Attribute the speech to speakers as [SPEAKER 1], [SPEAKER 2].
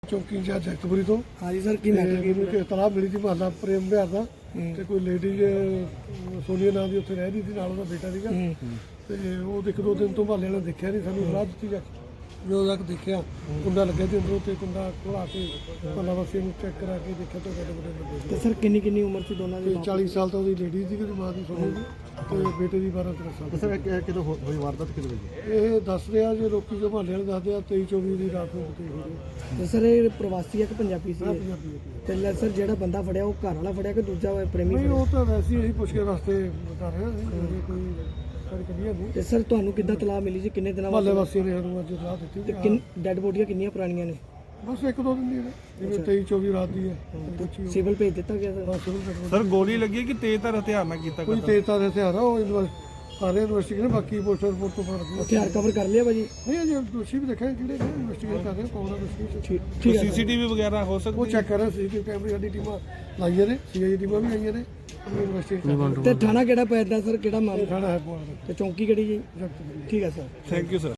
[SPEAKER 1] ਚੌਕੀ ਇੰਚਾਰਜ ਜਗਤਪੁਰੀ ਤੋਂ।
[SPEAKER 2] ਹਾਂਜੀ ਸਰ, ਕੀ ਮੈਟਰ
[SPEAKER 1] ਮੈਨੂੰ ਕਿ ਇਤਲਾਹ ਮਿਲੀ ਸੀ ਮਹੱਲਾ ਪ੍ਰੇਮ ਵਿਹਾਰ ਦਾ ਤੇ ਕੋਈ ਲੇਡੀ ਸੋਨੀਆ ਨਾਂ ਦੀ ਉੱਥੇ ਰਹਿ ਰਹੀ ਸੀ, ਨਾਲ ਉਹਦਾ ਬੇਟਾ ਸੀਗਾ ਤੇ ਉਹ ਇੱਕ ਦੋ ਦਿਨ ਤੋਂ ਮਹੱਲੇ ਵਾਲਿਆਂ ਨੇ ਦੇਖਿਆ ਨਹੀਂ, ਸਾਨੂੰ ਸਲਾਹ ਦਿੱਤੀ ਜਾ ਕੇ ਜਦੋਂ ਤੱਕ ਦੇਖਿਆ ਕੁੰਡਾ ਲੱਗਿਆ ਤੇ ਅੰਦਰੋਂ ਤੇ ਕੁੰਡਾ ਖੋਲ੍ਹਾ ਕੇ ਮਹੱਲਾ ਵਾਸੀਆਂ ਨੂੰ ਚੈੱਕ ਕਰਾ ਕੇ ਦੇਖਿਆ ਤਾਂ ਸਾਡੇ ਬੜੇ ਲੱਗੇ
[SPEAKER 2] ਤੇ ਸਰ ਕਿੰਨੀ ਉਮਰ ਸੀ ਦੋਨਾਂ ਦੀ?
[SPEAKER 1] 40 ਸਾਲ ਤਾਂ ਉਹਦੀ ਲੇਡੀ ਸੀ, ਉਹਦੀ ਮਾਂ ਦੀ ਸੋਨੀ ਦੀ, ਤੇ ਬੇਟੇ ਦੀ 12-13 ਸਾਲ।
[SPEAKER 3] ਸਰ ਕਿਦੋਂ ਹੋਈ ਵਾਰਦਾਤ ਕਿਦੋਂ ਹੋਈ?
[SPEAKER 1] ਇਹ ਦੱਸ ਰਿਹਾ ਜੇ ਲੋਕੀ ਜੋ ਮਹੱਲੇ ਵਾਲੇ ਦੱਸਦੇ ਆ 23-24 ਦੀ ਰਾਤ ਨੂੰ ਕਿਤੇ ਹੋਈ।
[SPEAKER 2] ਤੇ ਸਰ ਇਹ ਪ੍ਰਵਾਸੀ ਹੈ ਕਿ ਪੰਜਾਬੀ ਸੀ?
[SPEAKER 1] ਪੰਜਾਬੀ
[SPEAKER 2] ਤੇ ਸਰ ਜਿਹੜਾ ਬੰਦਾ ਫੜਿਆ ਉਹ ਘਰ ਵਾਲਾ ਫੜਿਆ ਕਿ ਦੂਜਾ ਪ੍ਰੇਮੀ
[SPEAKER 1] ਨਹੀਂ,
[SPEAKER 2] ਫੜਿਆ?
[SPEAKER 1] ਉਹ ਤਾਂ ਵੈਸੇ ਹੀ ਅਸੀਂ ਪੁੱਛ ਕੇ ਵਾਸਤੇ ਬਤਾ ਰਹੇ ਹਾਂ, ਕੋਈ ਸਾਡੀ ਕਲੀਅਰ ਨਹੀਂ।
[SPEAKER 2] ਤੇ ਸਰ ਤੁਹਾਨੂੰ ਕਿੱਦਾਂ ਤਲਾਹ ਮਿਲੀ ਸੀ? ਕਿੰਨੇ ਦਿਨਾਂ
[SPEAKER 1] ਮਹੱਲੇ ਵਾਸੀਆਂ ਨੇ ਸਾਨੂੰ ਅੱਜ ਸਲਾਹ ਦਿੱਤੀ
[SPEAKER 2] ਤੇ ਡੈਡ ਬੋਡੀਆਂ ਕਿੰਨੀਆਂ ਪੁਰਾਣੀਆਂ ਨੇ?
[SPEAKER 1] ਬਸ ਇੱਕ ਦੋ ਦਿਨ ਦੀ ਹੈ, ਜਿਵੇਂ 23-24 ਰਾਤ ਦੀ ਹੈ।
[SPEAKER 2] ਸਿਵਲ ਭੇਜ ਦਿੱਤਾ ਗਿਆ ਸਰ?
[SPEAKER 1] ਬਸ ਉਹਨੂੰ ਕੱਢੋ।
[SPEAKER 4] ਸਰ ਗੋਲੀ ਲੱਗੀ ਕਿ ਤੇਜ਼ਧਾਰ ਹਥਿਆਰ ਨਾਲ ਕੀਤਾ
[SPEAKER 1] ਕੋਈ ਤੇਜ਼ਧਾਰ ਹਥਿਆਰ ਆ, ਉਹ ਸਾਰੇ ਇਨਵੈਸਟੀਗੇਸ਼ਨ, ਬਾਕੀ ਪੋਸਟਰ ਰਿਪੋਰਟ ਤੋਂ ਬਾਅਦ
[SPEAKER 2] ਹਥਿਆਰ ਕਵਰ ਕਰ ਲਿਆ ਭਾਜੀ?
[SPEAKER 1] ਨਹੀਂ, ਅਜੇ ਦੋਸ਼ੀ ਵੀ ਦੇਖਿਆ ਕਿਹੜੇ ਨੇ, ਇਨਵੈਸਟੀਗੇਟ ਕਰ ਰਹੇ ਕੌਣ ਆ ਦੋਸ਼ੀ।
[SPEAKER 2] ਠੀਕ ਹੈ
[SPEAKER 4] ਸੀਸੀਟੀਵੀ ਵਗੈਰਾ ਹੋ
[SPEAKER 1] ਉਹ
[SPEAKER 4] ਸਕਦੀ
[SPEAKER 1] ਚੈੱਕ ਕਰ ਰਹੇ ਸੀ, ਕੈਮਰੇ ਸਾਡੀ ਟੀਮਾਂ ਲਾਈਆਂ ਨੇ, ਸੀਆਈ ਟੀਮਾਂ ਵੀ ਆਈਆਂ ਨੇ, ਇਨਵੈਸਟੀਗੇਟ ਕਰ ਰਹੇ।
[SPEAKER 2] ਤੇ ਥਾਣਾ ਕਿਹੜਾ ਪੈਂਦਾ ਸਰ, ਕਿਹੜਾ ਮਾਮਲਾ?
[SPEAKER 1] ਥਾਣਾ ਹੈ ਪੁਆਲ
[SPEAKER 2] ਤੇ ਚੌਂਕੀ ਕਿਹੜੀ ਜੀ?
[SPEAKER 1] ਜਗਤਪੁਰੀ।
[SPEAKER 2] ਠੀਕ ਹੈ ਸਰ।
[SPEAKER 4] Thank you sir.